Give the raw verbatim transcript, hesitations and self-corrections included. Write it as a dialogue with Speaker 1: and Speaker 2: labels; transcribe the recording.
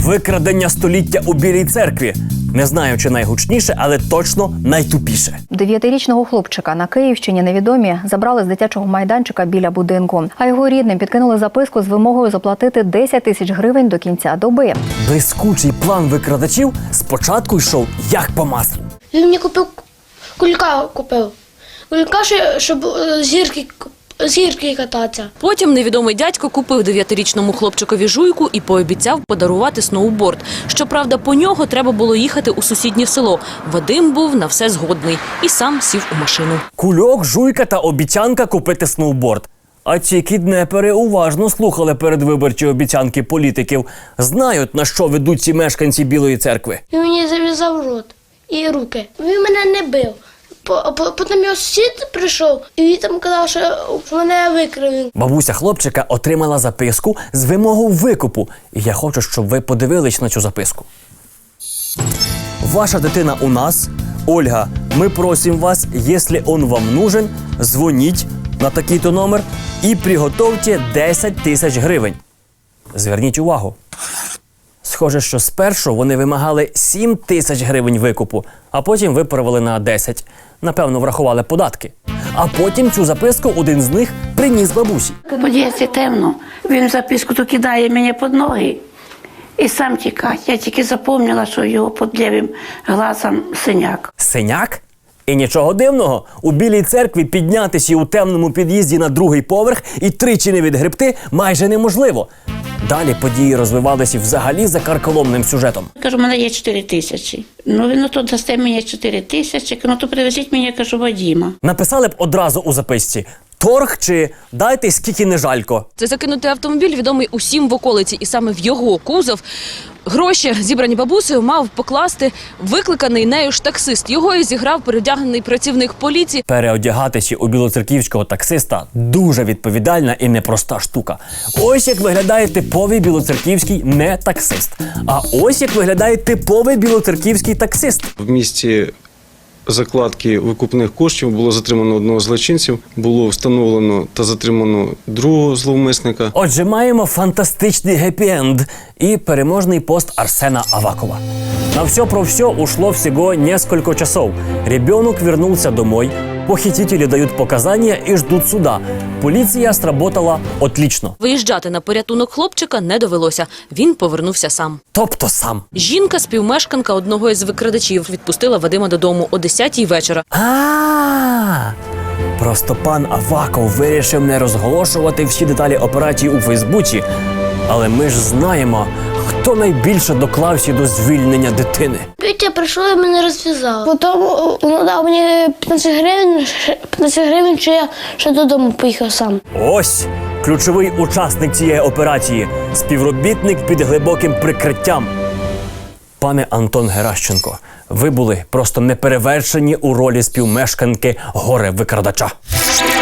Speaker 1: Викрадення століття у Білій церкві. Не знаю, чи найгучніше, але точно найтупіше.
Speaker 2: Дев'ятирічного хлопчика на Київщині невідомі забрали з дитячого майданчика біля будинку. А його рідним підкинули записку з вимогою заплатити десять тисяч гривень до кінця доби.
Speaker 1: Блискучий план викрадачів спочатку йшов як по маслу.
Speaker 3: Він мені купив кулька купив. Кулька, щоб з гірки, з гірки кататися.
Speaker 4: Потім невідомий дядько купив дев'ятирічному хлопчикові жуйку і пообіцяв подарувати сноуборд. Щоправда, по нього треба було їхати у сусіднє село. Вадим був на все згодний і сам сів у машину.
Speaker 1: Кульок, жуйка та обіцянка купити сноуборд. А ці кіднепери уважно слухали передвиборчі обіцянки політиків. Знають, на що ведуть ці мешканці Білої церкви.
Speaker 3: Він мені зав'язав рот і руки. Він мене не бив. Потім його сусід прийшов, і він там казав, що мене викрив.
Speaker 1: Бабуся хлопчика отримала записку з вимогою викупу. І я хочу, щоб ви подивились на цю записку. Ваша дитина у нас. Ольга, ми просимо вас, якщо он вам нужен, дзвоніть на такий-то номер і приготовте десять тисяч гривень. Зверніть увагу. Схоже, що спершу вони вимагали сім тисяч гривень викупу, а потім виправили на десять. Напевно, врахували податки. А потім цю записку один з них приніс бабусі.
Speaker 5: У під'їзді темно, він записку то кидає мені під ноги і сам тікає. Я тільки запам'ятала, що його під лівим глазом синяк.
Speaker 1: Синяк? І нічого дивного, у Білій церкві піднятися у темному під'їзді на другий поверх і тричі не відгребти майже неможливо. Далі події розвивалися взагалі за карколомним сюжетом.
Speaker 5: Кажу, у мене є чотири тисячі. Ну, він то дасте мені чотири тисячі, ну то привезіть мені, я кажу, Вадима.
Speaker 1: Написали б одразу у записці торг чи дайте скільки не жалько.
Speaker 4: Це закинутий автомобіль, відомий усім в околиці, і саме в його кузов гроші, зібрані бабусею, мав покласти викликаний нею ж таксист. Його і зіграв переодягнений працівник поліції.
Speaker 1: Переодягатися у білоцерківського таксиста – дуже відповідальна і непроста штука. Ось як виглядає типовий білоцерківський не таксист. А ось як виглядає типовий білоцерківський таксист.
Speaker 6: В місті закладки викупних коштів було затримано одного з злочинців, було встановлено та затримано другого зловмисника.
Speaker 1: Отже, маємо фантастичний гепі-енд і переможний пост Арсена Авакова. На все про все ушло всего несколько часов. Ребенок вернулся домой, похитители дают показания и ждут суда. Полиция сработала отлично.
Speaker 4: Виїжджати на порятунок хлопчика не довелося. Він повернувся сам.
Speaker 1: Тобто сам.
Speaker 4: Жінка, співмешканка одного із викрадачів, відпустила Вадима додому о десятій вечора.
Speaker 1: А-а-а! Просто пан Аваков вирішив не розголошувати всі деталі операції у Фейсбуці. Але ми ж знаємо, хто найбільше доклався до звільнення дитини.
Speaker 3: Вітя прийшов і мене розв'язав. Потім він дав мені п'ятнадцять гривень, п'ятнадцять гривень, що я ще додому поїхав сам.
Speaker 1: Ось ключовий учасник цієї операції – співробітник під глибоким прикриттям. Пане Антон Геращенко, ви були просто неперевершені у ролі співмешканки горе-викрадача.